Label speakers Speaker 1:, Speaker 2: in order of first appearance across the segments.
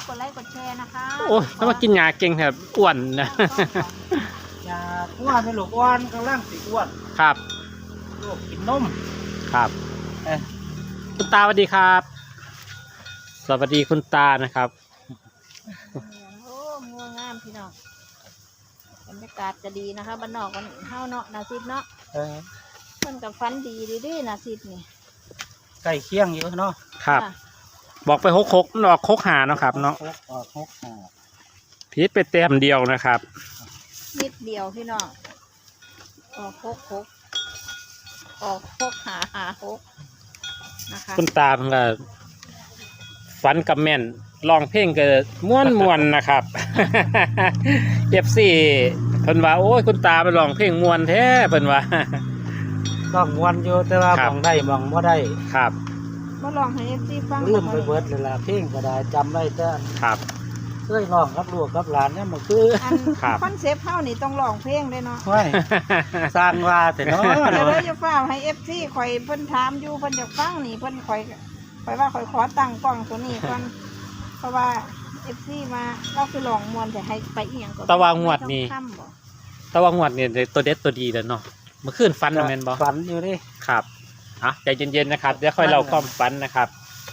Speaker 1: ดไลค์กดแชร์นะคะ
Speaker 2: โอ้ยถ้ามากินยาเก่งแบบอ้วนนะ
Speaker 3: ยาอ้วนเป็นลูกอ้วนกำลังสิอ้วน
Speaker 2: ครับ
Speaker 3: ลูกกินนม
Speaker 2: ครับคุณตาสวัสดีครับ สวัสดีคุณตานะครับ
Speaker 1: โอ้งัวงามพี่น้องบรรยากาศจะดีนะคะบ้านนอกกันเฮาเนาะนาซิดเนาะเพิ่นกับฟันดีดีนาซิดนี่
Speaker 3: ไก่เคี่ยงอยู่เนาะ
Speaker 2: ครับ บอกไปหกมันออกหาเนาะครับเนาะ
Speaker 3: ออกหา
Speaker 2: พีชไปเต็มเดียวนะครับ
Speaker 1: นิดเดียวพี่น้องออกหกออกหานะคะ
Speaker 2: คุณตาเพิ่งก็ฝันกับแม่นลองเพลงก็ม่วนนะครับ FC เพิ่นว่าโอ้ยคุณตาไปลองเพลงม่วนแท้เพิ่นว่า
Speaker 3: ต้องมวนอยู่แต่ว่า
Speaker 2: ครั
Speaker 3: ม
Speaker 2: บ
Speaker 3: องได้มองบ่ได้
Speaker 2: ครับ
Speaker 1: มาลองให้เอฟซีฟัง
Speaker 3: ลืมไปเบิดเลยล่ะเพลงก็ได้จำได้แต่
Speaker 2: ครับ
Speaker 3: เคยร้องกับลูกกับหลานเนี่ยมันคือ
Speaker 1: อัน
Speaker 2: ครับ
Speaker 1: คอนเซปต์เฮานี่ต้องร้องเพลงด้วยเนาะ
Speaker 3: ห้วยสร้างว่าแต่เนาะ
Speaker 1: เดี๋ยวจะฟ้าให้เอฟซีข่อยเพิ่นถามอยู่เพิ่นจะฟังนี่เพิ่นข่อยว่าข่อยขอตั้งกล้องตัวนี้ก่อนเพราะว่าเอฟซีมาเราคือลองมวนแต่ให้ไปอีหยังก่อน
Speaker 2: ตะวางวดนี่
Speaker 1: ค่ำบ่
Speaker 2: แต่ว่างวดเนี่ยตัวเด็ดตัวดีแล้วเนาะเมื่อคืนฟันแม่นบ่
Speaker 3: ฝันอยู่ดิ
Speaker 2: ครับอ่ะใจเย็นๆนะครับเดี๋ยวค่อยเล่าความฝันนะครับ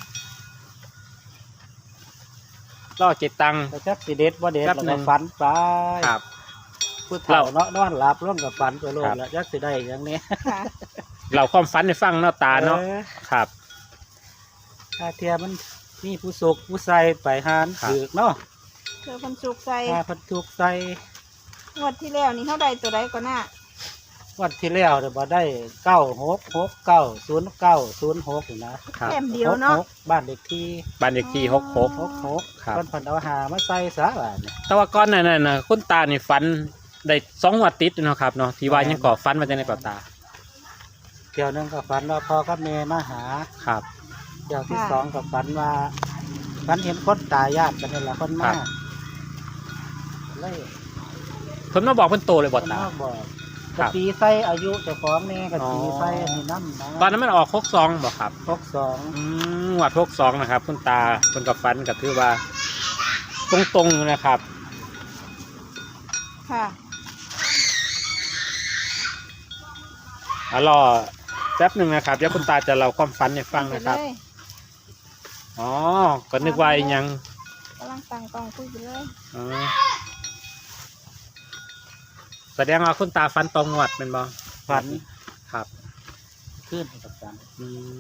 Speaker 2: ล่อเจตัง
Speaker 3: แต่จักสิเด็ดบ่เด็ด
Speaker 2: แป๊
Speaker 3: แล้ว
Speaker 2: บหนึ่
Speaker 3: ก็
Speaker 2: ง
Speaker 3: ฝันไป
Speaker 2: ครับ
Speaker 3: ผู้เฒ่าเนาะนอนหลับร่วมกับฝันไปโลด
Speaker 2: ครับ
Speaker 3: แล้วจักสิได้อย่างนี้
Speaker 1: ค่ะ
Speaker 2: เล่าความฝันให้ฟังเนาะตาเนาะ
Speaker 3: ออ
Speaker 2: ครับ
Speaker 3: ถ้าเทียมันมีผู้สุกผู้ใส่ไปหาน
Speaker 2: ครับ
Speaker 3: ถือเนาะ
Speaker 1: เธอเพิ่นสุกใส่
Speaker 3: ถ้าเพันทุกใส่
Speaker 1: งวดที่แล้วนี่เฮาได้ตัวใดก่อนน่ะ
Speaker 3: วันที่แล้วเดี๋ยวบ่ได้96690906นี่นะครับ
Speaker 1: แต้มเดียวเนาะ
Speaker 3: 66บ้านเด็กที่
Speaker 2: บ้านเลขที่66
Speaker 3: 66
Speaker 2: ครับ
Speaker 3: เพิ่นเพิ่นเอาหามาใส่ซะว่านี่
Speaker 2: แต่ว่าก่อนหนั้นน่ะคุณตานี่ฝันได้2 งวดติดเนาะครับเนาะที่ว่ายังก่อฝันมาจากในเป่าตา
Speaker 3: เที่ยวหนึงก็ฝันว่าพ่อกับแม่มาหา
Speaker 2: ครับ
Speaker 3: เที่ยวที่สองก็ฝันว่าฝันเห็นคนตายญาติกันนี่ล่ะคน
Speaker 2: ครั
Speaker 3: มา
Speaker 2: บ
Speaker 3: เลย
Speaker 2: เพิ่นมาบอกเพิ่นโตเลยบ่ตา
Speaker 3: เพิ่นมาบอก
Speaker 2: ครั
Speaker 3: กะ
Speaker 2: บ
Speaker 3: ตีใส่อายุเจ้าของแน่กะตี
Speaker 2: อ๋อ
Speaker 3: ใส่อันนี้น้ำนะ
Speaker 2: ตอนนั้นมันออก62บ่ครับ
Speaker 3: 62
Speaker 2: งวด62นะครับคุณตาเพิ่นก็ฝันก็ถือว่าตรงๆนะครับ
Speaker 1: ค่ะ
Speaker 2: รอแป๊บหนึ่งนะครับเดี๋ยวคุณตาจะเล่าความฝันให้ฟังนะครับ
Speaker 1: ไปเลย
Speaker 2: อ๋อก็นึกว่าอีหยัง
Speaker 1: กำลังตั้งกล้องคุยไปเลย
Speaker 2: อ๋อแสดงว่าคุณตาฝันตรงงวดเป็นบ่
Speaker 3: ฝัน
Speaker 2: ครับ
Speaker 3: ขึ้นกับฝัน
Speaker 2: อืม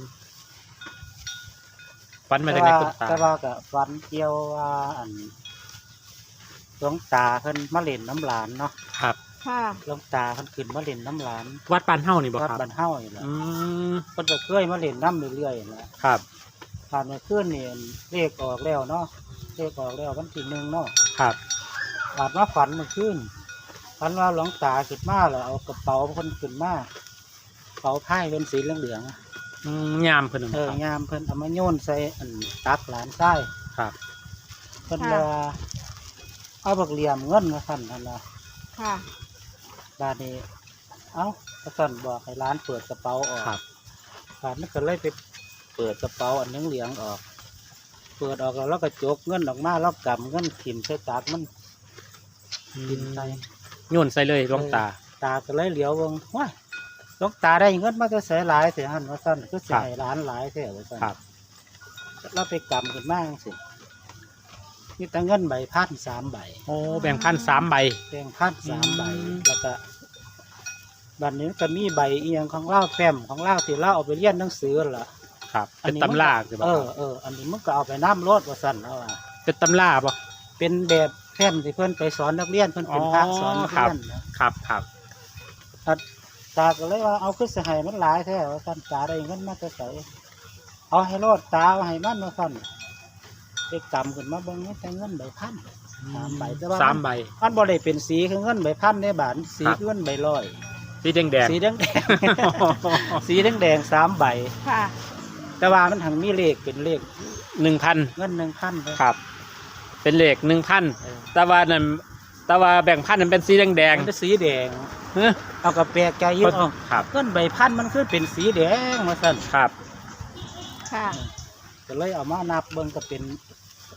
Speaker 2: ฝันมาจากไหนคุณตา
Speaker 3: แต่ว่าก็ฝันเกี่ยวว่าอันหลวงตาเพิ่นมาเล่นน้ำหลานเนาะ
Speaker 2: ครับ
Speaker 1: ค่ะ
Speaker 3: หลวงตาเพิ่นขึ้นมาเล่นน้ำหลาน
Speaker 2: วัดปานเฮ้านี่บ่
Speaker 3: วัด
Speaker 2: ครับ
Speaker 3: บ้านเฮานี่แหละ
Speaker 2: อืม
Speaker 3: เพิ่นก็เคยมาเล่นน้ำเรื่อยๆนั่นแหละ
Speaker 2: ครับ
Speaker 3: ผ่านมาขึ้นนี่เลขออกแล้วเนาะเลขออกแล้ววันที่1เนาะ
Speaker 2: ครับ
Speaker 3: ผ่านมาฝันเมื่อคืนฝันว่าหลวงตาขึ้นมาแล้วเอากระเป๋าเพิ่นขึ้นมากระเป๋าผ้าเป็นสีเหลืองๆ
Speaker 2: ยามเพิ่น
Speaker 3: เอ
Speaker 2: ค
Speaker 3: อ
Speaker 2: รับ
Speaker 3: ยามเพิ่นเอามาโยนใส่อันตักหลานใต้
Speaker 2: ครับ
Speaker 3: เพิ่นว่าเอาบักเหลี่ยมเงินมาสั่นนั่นล่ะ
Speaker 1: ค่ะ
Speaker 3: บาดนี้เอ้าก็สั่นบอกให้ร้านเปิดกระเป๋าออก
Speaker 2: ครับ
Speaker 3: บาดนี้ก็เลยไปเปิดกระเป๋าอันเหลืองๆออก เปิดออกแล้วเราก็จกเงินออกมาแล้วกำเงินขิมใส่ตักมันกินใส่
Speaker 2: โยนใส่เลยหลวงตา
Speaker 3: ตาก็เลยเหลียวเบิ่งว้ายหลวงตาได้เงินมาจะใส่หลายเสียหันว่าสั่นก็ใส่ร้านหลายเสียว่าสั่น
Speaker 2: ครับ
Speaker 3: เราไปกำขึ้นมาจังสิมีแต่เงินใบพัน3 ใบ
Speaker 2: โอ้แบ่งพัน3 ใบ
Speaker 3: แบ่งพัน3 ใบ
Speaker 2: อืม
Speaker 3: แล้วก็บัดนี้ก็มีใบอีหยังของเล่าแฟ้มของเล่าที่เล่าเอาไปเรียนหนังสือนั่นล่ะ
Speaker 2: ครับ
Speaker 3: อั
Speaker 2: เป็น น
Speaker 3: นี้
Speaker 2: ตำราคือบ่
Speaker 3: เอ
Speaker 2: ค
Speaker 3: อ
Speaker 2: รับ
Speaker 3: อันนี้มันก็เอาไปน้ำรถว่าสั่นแล้วอ่ะ
Speaker 2: เป็นตำราบ่
Speaker 3: เป็นแบบแฟ้มที่เพื่อนไปสอนนักเรียนเพื่อนเป็นพระสอนนักเรียนนะครับ
Speaker 2: ครับ
Speaker 3: ตาก็เลยว่าเอาขึ้นสหายมันหลายแท้ว่าสั่นตาได้เงินมาจะใส่เอาให้รอดตาเอาให้มันว่าสั่นไปกำขึ้นมาเบิ่งนี่แต่เงินใบพัน 3 ใบแต่ว่า
Speaker 2: 3 ใบ
Speaker 3: มันบ่ได้เป็นสีคือเงินใบพันในบาทสี
Speaker 2: ครับ
Speaker 3: คือเงินใบร้อย
Speaker 2: สีแดง
Speaker 3: สีแดงๆ สีแดงๆ3 ใบ
Speaker 1: ค่ะ
Speaker 3: แต่ว่ามันถังมีเลขเป็นเลข
Speaker 2: ๆ 1,000
Speaker 3: เงิน1,000ไป
Speaker 2: ครับ เป็นเลข 1,000
Speaker 3: เออ
Speaker 2: แต่ว่านั่นแต่ว่าแบ่งพันนั้นเป็นสีแดง
Speaker 3: มันเป็นสีแดง
Speaker 2: ๆเฮ้ย
Speaker 3: เอากระแปลกใจอยิ่เอา
Speaker 2: ครับ
Speaker 3: เงินใบพันมันคือเป็นสีแดงมาสั่น
Speaker 2: ครับ
Speaker 1: ค่ะ
Speaker 3: ก็เลยเอามานับเบิ่งก็เป็น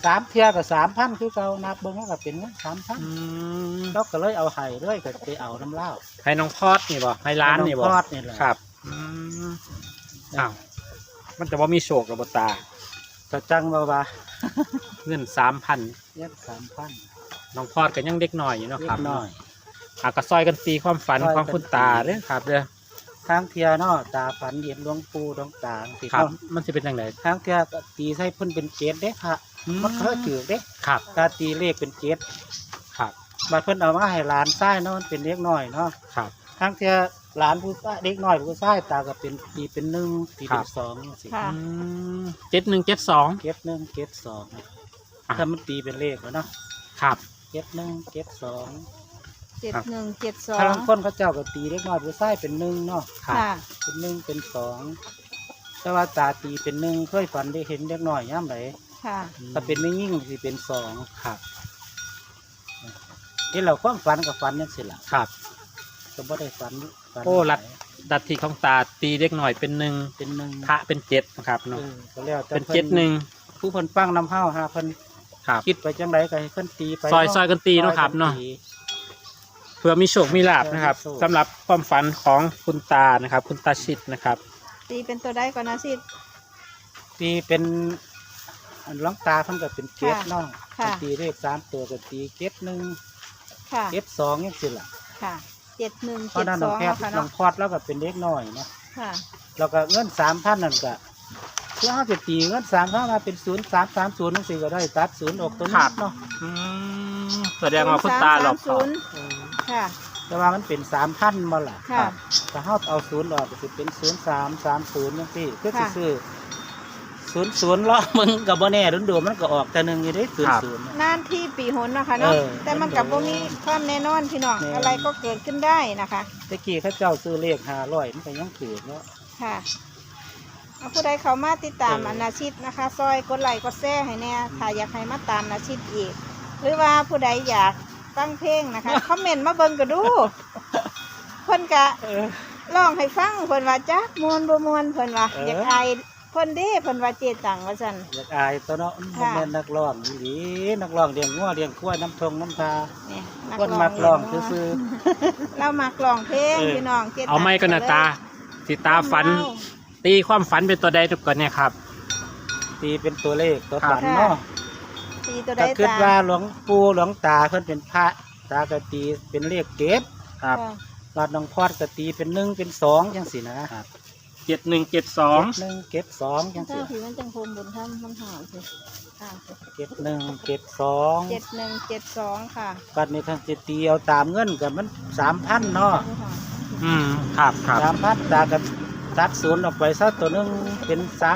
Speaker 3: 3เที่ยก็ 3,000 คือเก่านับเบิ่งแล้วก็เป็นเงิน 3,000เราก็เลยเอาให้เลยก็ไปเอาน้ำเหล้า
Speaker 2: ให้น้องพอดนี่บ่ให้ร้านนี่บ่
Speaker 3: ทอดนี่แหละ
Speaker 2: ครับอ้าวมันจะว่ามีโชคกับบ่ตา
Speaker 3: ก็จังว่า
Speaker 2: เงิน 3,000
Speaker 3: เงิน 3,000
Speaker 2: น้องพอดก็ยังเด็กน้อยอยู่เนาะ
Speaker 3: เล็
Speaker 2: ครับ
Speaker 3: กน้อย
Speaker 2: ก็ซอยกันตีความฝัน
Speaker 3: ซอยกัน
Speaker 2: ของคุณตาเด้อครับเด้อ
Speaker 3: ทางเที่ยเนาะตาฝันเห็นหลวงปู่หลวงตาสิ
Speaker 2: ครับ
Speaker 3: เนาะ
Speaker 2: มันสิเป็นจังได
Speaker 3: ทางเที่ยก็ตีใส่เพิ่นเป็นเจ็ดเด้พระมันเคยถือเด้
Speaker 2: ครับ
Speaker 3: ตาตีเลขเป็นเจ็ด
Speaker 2: ครับ
Speaker 3: บัดเพิ่นเอามาให้หลานชายเนาะมันเป็นเล็กน้อยเนาะ
Speaker 2: ครับ
Speaker 3: ทางเที่ยหลานผู้ชายเด็กน้อยผู้ชายตาก็เป็นตีเป็น1ตีเป็น2จังซี่
Speaker 1: ค่ะ
Speaker 2: 7172
Speaker 3: เก็บ1เก็บ2ถ้ามันตีเป็นเลขแล้วเนาะ
Speaker 2: ครับ
Speaker 3: เก็บ1เก็บ2
Speaker 1: 7172
Speaker 3: ถ้าบางคนเขาเจ้าก็ตีเล็กน้อยผู้ชายเป็น1เนาะ
Speaker 2: ครับ
Speaker 1: ค่ะ
Speaker 3: เป็น1เป็น2แต่ว่าตาตีเป็น1เคยฝันได้เห็นเด็กน้อยยามใด
Speaker 1: ค่ะ
Speaker 3: ถ้าเป็นไม่ยิ่งสิเป็น2
Speaker 2: ครับ
Speaker 3: นี่เราความฝันกับฝันจังซี่ล่ะ
Speaker 2: ครับ
Speaker 3: ก็บ่ได้ฝัน
Speaker 2: โอ้ลัด ดัตทีของตาตีเด็กหน่อยเป็น1
Speaker 3: เป็น1
Speaker 2: พระเป็น7นะครับเนาะ
Speaker 3: ก็แล้วแต่
Speaker 2: เป็น
Speaker 3: พิ่
Speaker 2: 71
Speaker 3: ผู้เพิ่นฟังนำเฮาหาเพิ่น
Speaker 2: ครับ
Speaker 3: คิดไปจังไดก็ให้เพิ่นตีไป
Speaker 2: ซอยกันตีเนาะครับเนาะ
Speaker 3: ซอยกัตี
Speaker 2: เพื่อมีโชคมีลาบนะครับ
Speaker 3: เพื่อมีโชค
Speaker 2: สำหรับความฝันของคุณตานะครับ คุณตาชิดนะครับ
Speaker 1: ตีเป็นตัวได้ก่อนนะสิ
Speaker 3: ตีเป็นอันหลวงตาเพิ่นก็เป็นเจ็ด
Speaker 1: ค่ะ
Speaker 3: เนาะ
Speaker 1: ค่ะ
Speaker 3: ตีเลข3ตัวก็ตีเจ็ด1
Speaker 1: ค่ะ
Speaker 3: เจ็ด2จังซี่ล่ะ
Speaker 1: ค่ะ7172
Speaker 3: เพราะนั้นน้องแพทย์
Speaker 1: ค่ะ
Speaker 3: น้อ
Speaker 1: เนาะ
Speaker 3: งพอดแล้วก็เป็นเด็กน้อยเนาะ
Speaker 1: ค่ะ
Speaker 3: แล้วก็เงิน 3,000 นั่นก็คือเฮาจะตีเงิน3,000มาเป็น0330จังซี่ก็ได้ตัด0ออกตัว
Speaker 2: ครั
Speaker 3: นี้
Speaker 2: บ
Speaker 3: เนาะ
Speaker 2: แสดงว่าคุณตาหลอกเขา
Speaker 1: 0330ค่ะ
Speaker 3: แต่ว่ามันเป็น 3,000บ่ล่ะ
Speaker 1: ค่ะ
Speaker 3: ถ้าเฮาเอา0ออกก็สิเป็น0330จังซี่คือสิ
Speaker 1: ค่ะ
Speaker 3: ซื้อ00ล้อมึงก็บ่แน่โดนๆมันก็ออกแต่หนึงอยู่เด้00น่ะ
Speaker 1: นานที่ปีหนเนาะคะเนาะ
Speaker 3: เออ
Speaker 1: แต่มันกับบ่มีความแน่นอนพี่น้อง
Speaker 3: แน่
Speaker 1: อะไรก็เกิดขึ้นได้นะคะ
Speaker 3: ตะกี้เขาเจ้าซื้อเลข500มันก็ยังถือเนาะ
Speaker 1: ค่ะเอาผู้ใดเขามาติดตาม
Speaker 3: เออ
Speaker 1: อนาชิตนะคะ ซอยกดไลค์กดแชร์ให้แน่ถ้าอยากให้มาตามอนาชิตอีก หรือว่าผู้ใดอยากฟังเพลงนะคะ คอมเมนต์มาเบิ่งก็ดูเพิ่นกะร้องให้ฟังเพิ่นว่าจักมวนบ่มวนเพิ่นว่าอยากอายเพิ่นเด้เพิ่นว่าเจตังว่าซั่น
Speaker 3: อยากอายตัวเนาะมัน
Speaker 1: ค่ะ
Speaker 3: แม่นนักร้องอีหลีนักร้องเลี้ยงงัวเลี้ยงควายน้ำทงน้ำทา
Speaker 1: เนี่ย
Speaker 3: คนมักร้องซื่อ
Speaker 1: เรามักร้องเพลง
Speaker 3: เออ
Speaker 1: พี่น้องเจตัง
Speaker 2: เอาไม่ก็นาตาสิตาฝัน ตีความฝันเป็นตัวใดทุกคนเนี่ยครับ
Speaker 3: ๆตีเป็นตัวเลขตัวฝัน
Speaker 1: ค่ะ
Speaker 3: เนาะ
Speaker 1: ตีตัวใด
Speaker 3: ก็คิด
Speaker 1: ตา
Speaker 3: ว่าหลวงปู่หลวงตาเพิ่นเป็นพระตากตีเป็นเลขเก็บ
Speaker 2: ครับ
Speaker 1: ค่ะ
Speaker 3: ลาดน้องพอดกตีเป็น1เป็น2จังซี่นะครับ
Speaker 2: 7172
Speaker 3: 1เก็บ2จัง
Speaker 1: เจ้า
Speaker 3: ซี่
Speaker 1: ผีมันจังคมบุญท่านมันหาวสิอ่าสิ
Speaker 3: เก็บ1เก็บ
Speaker 1: 7172ค่ะ
Speaker 3: 2บัดนี้คันสิตีเอาตามเงินก็มัน 3,000เนาะ
Speaker 2: ครับครับ
Speaker 3: 3,000ตาก็ตัด0ออกไปซะตัวหนึงเป็น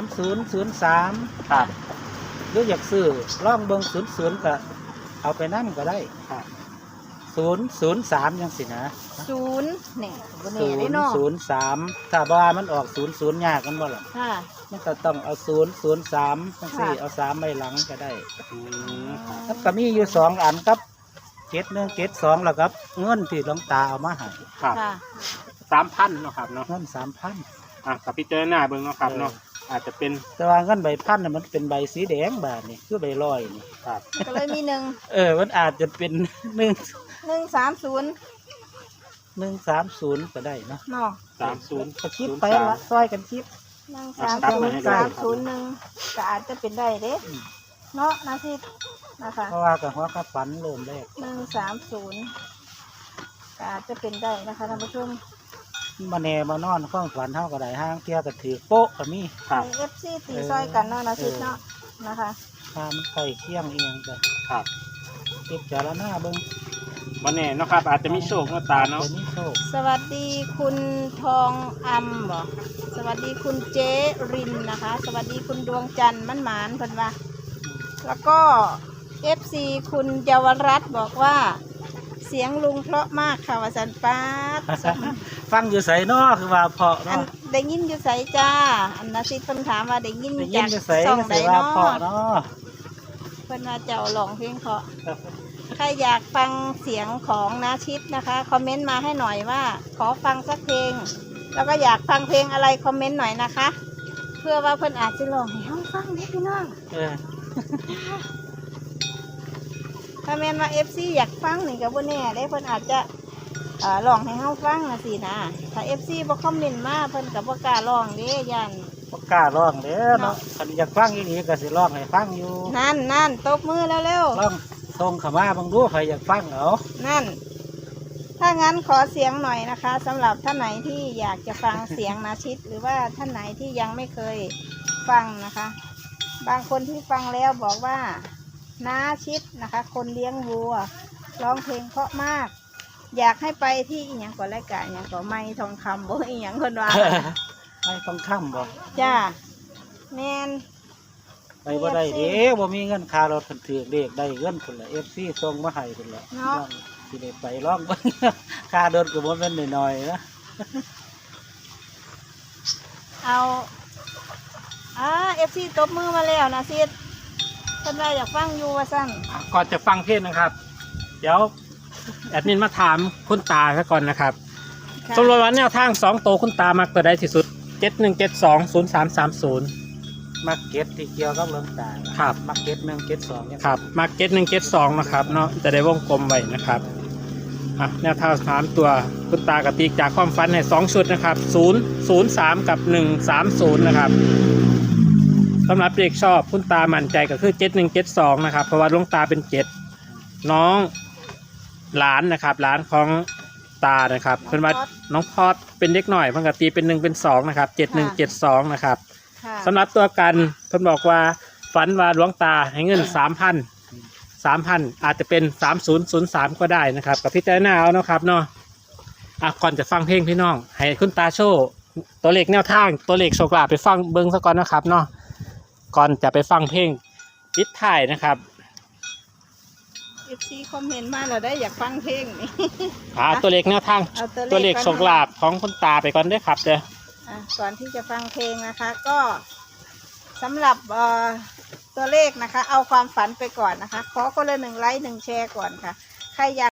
Speaker 3: 3003
Speaker 2: ครับ
Speaker 3: หรืออยากซื้อล่องเบิง00ก็เอาไปนั่นก็ได้003จังสินะ
Speaker 1: ศูนย์เนี่ยบนเนี่ยได้เนาะ
Speaker 3: 003ถ้าว่ามันออก00ยากกันบ่ล่ะ
Speaker 1: ค่ะ
Speaker 3: มันก็ต้องเอา003จังซี่
Speaker 1: ค่ะ
Speaker 3: เอา3ไว้หลังก็ได้แล้วก็มีอยู่2อันครับ71 72แล้วครับเงินที่หลวงตาเอามาให้
Speaker 2: ครับ
Speaker 1: ค่ะ
Speaker 2: 3,000เนาะครับเนาะ
Speaker 3: เงิน 3,000
Speaker 2: กับพี่เจอหน้าเบิ่งเนาะครับเนาะอาจจะเป็น
Speaker 3: แต่ว่าเงินใบพันน่ะมันเป็นใบสีแดงบาทนี่คือใบลอยนี่
Speaker 2: ครับ
Speaker 1: ก็เลยมี
Speaker 3: มันอาจจะเป็น130ก็ได้เนาะ
Speaker 1: เนาะ
Speaker 2: 30
Speaker 3: ก็คิดไปละซอยกันคิด
Speaker 1: 130 ก็อาจจะเป็นได้เด้เนาะนาทีนะคะ
Speaker 3: เพราะว่ากับหัวกระฝันเริ่มแรก
Speaker 1: 130 ก็อาจจะเป็นได้นะคะท่านผู้ชม
Speaker 3: มาแน่มานอนข้องฝันเท่าก็ได้ห้างเที่ยวก็ถือโป๊ะก็มี
Speaker 2: ครับ
Speaker 1: เอฟซีตีซอยกันเนาะนาทีเนาะนะคะ
Speaker 3: ทานไข่เคี่ยงเองก็
Speaker 2: ครับ
Speaker 3: คิดจารณาเบิ่ง
Speaker 2: วันนี้เนาะครับอาจจะมีโชคเนาะตาเนาะ
Speaker 3: ตัวนี้โชค
Speaker 1: สวัสดีคุณทองอำบ่สวัสดีคุณเจรินนะคะ สวัสดีคุณดวงจันทร์มันหมานเพิ่นว่า แล้วก็ FC คุณเยาวรัตน์บอกว่า เสียงลุงเพราะมากค่ะว่าสันปาด
Speaker 3: ฟังอยู่ใส่นอคือว่าเพาะ
Speaker 1: อัน
Speaker 3: เนาะ
Speaker 1: ได้ยินอยู่ไสจ้า อันนาซิเพิ่นถามว่าได้ยิน
Speaker 3: ได้ยิ
Speaker 1: จาน ก
Speaker 3: อยู่ใส่
Speaker 1: ช่อง
Speaker 3: ก็
Speaker 1: ใด
Speaker 3: ใส่ว่า
Speaker 1: เนาะ
Speaker 3: เพาะเนาะ
Speaker 1: เพิ่นว่าเจ้าร้องเพลงเพราะใครอยากฟังเสียงของนาชิตนะคะคอมเมนต์มาให้หน่อยว่า ขอฟังสักเพลง แล้วก็อยากฟังเพลงอะไรคอมเมนต์หน่อยนะคะ เพื่อว่าเพิ่นอาจจะร้องให้เฮาฟังเด้พี่น้อง
Speaker 3: เออ
Speaker 1: ถ้าแม่นว่า FC อยากฟังนี่ก็บ่แน่ได้เพิ่นอาจจะร้องให้เฮาฟังนะสินะถ้า FC บ่คอมเมนต์มาเพิ่นก็บ่กล้าร้องเด้ย่าน
Speaker 3: บ่กล้าร้องเด้อเนาะคันอยากฟังอีหลีก็สิร้องให้ฟังอยู่
Speaker 1: นั่นตบมือแล้วเร็ว
Speaker 3: ร้องส่งเข้ามาเบิ่งดูใครอยากฟังเอา
Speaker 1: นั่น ถ้างั้นขอเสียงหน่อยนะคะสำหรับท่านไหนที่อยากจะฟังเสียงนาชิต หรือว่าท่านไหนที่ยังไม่เคยฟังนะคะ บางคนที่ฟังแล้วบอกว่านาชิตนะคะ คนเลี้ยงวัวร้องเพลงเพราะมาก อยากให้ไปที่อีหยังก่อนรายการอีหยังก่อนไม้ทองคำบ่อีหยังคนว่า
Speaker 3: ไม่ต้องค้ำบ่
Speaker 1: จ้าแมน
Speaker 3: ไปบ่ได้เด้บ่มีเงินค่ารถเพิ่นถือเลขได้เงินพุ่นละ FC ส่งมาให้พุ่นละน้องสิได้ไปร้องเบิ่ง ค่ารถก็บ่แม่นน้อยๆนะ
Speaker 1: เอาFC ตบมือมาแล้วนะซิดเพิ่นว่าอยากฟังอยู่ว่าซั่น
Speaker 2: ก่อนจะฟังเพลงนะครับ เดี๋ยวแอดมินมาถามคุณตาซะก่อนนะครับ
Speaker 1: ค่ะ
Speaker 2: สำหรับวันแนวทาง2โตวคุณตามักตัวใดที่สุด 71720330
Speaker 3: มักเก็ตที่เกี่ยวกับเรื่องตา
Speaker 2: ครับ
Speaker 3: มักเก็ต1เก็ต2เนี่ย
Speaker 2: ครับมัก7172นะครับเนาะจะได้วงกลมไว้นะครับแนวทาง3ตัวคุณตากระติกจากความฝันให้2ชุดนะครับ003กับ130นะครับสำหรับเด็กชอบคุณตามั่นใจก็คือ7172นะครับเพราะว่าดวงตาเป็น7น้องหลานนะครับหลานของตานะครับเพิ่นว่าน้องพอดเป็นเด็กหน่อยเพิ่นก็ตีเป็น1เป็น2นะครับ7172นะครับ
Speaker 1: ค่ะ
Speaker 2: สำหรับตัวกันเพิ่นบอกว่าฝันว่าหลวงตาให้เงิน 3,000 อาจจะเป็น3003ก็ได้นะครับกับพี่เจ้าหน้าเอาเนาะครับเนาะก่อนจะฟังเพลงพี่น้องให้คุณตาโชว์ตัวเลขแนวทางตัวเลขโชคลาภไปฟังเบิ้งซะก่อนนะครับเนาะก่อนจะไปฟังเพลงปิดท้ายนะครับ
Speaker 1: FC คอมเมนต์มาแล้วได้อยากฟังเพลงนี่
Speaker 2: ตัวเลขแนวทาง
Speaker 1: เอา
Speaker 2: ตัวเลขโชคลาภของคุณตาไปก่อนเด้วยครับเด้อ
Speaker 1: ก่อนที่จะฟังเพลงนะคะ ก็สำหรับตัวเลขนะคะ เอาความฝันไปก่อนนะคะ ขอคนละ1 ไลค์ 1 แชร์ก่อนค่ะใครอยาก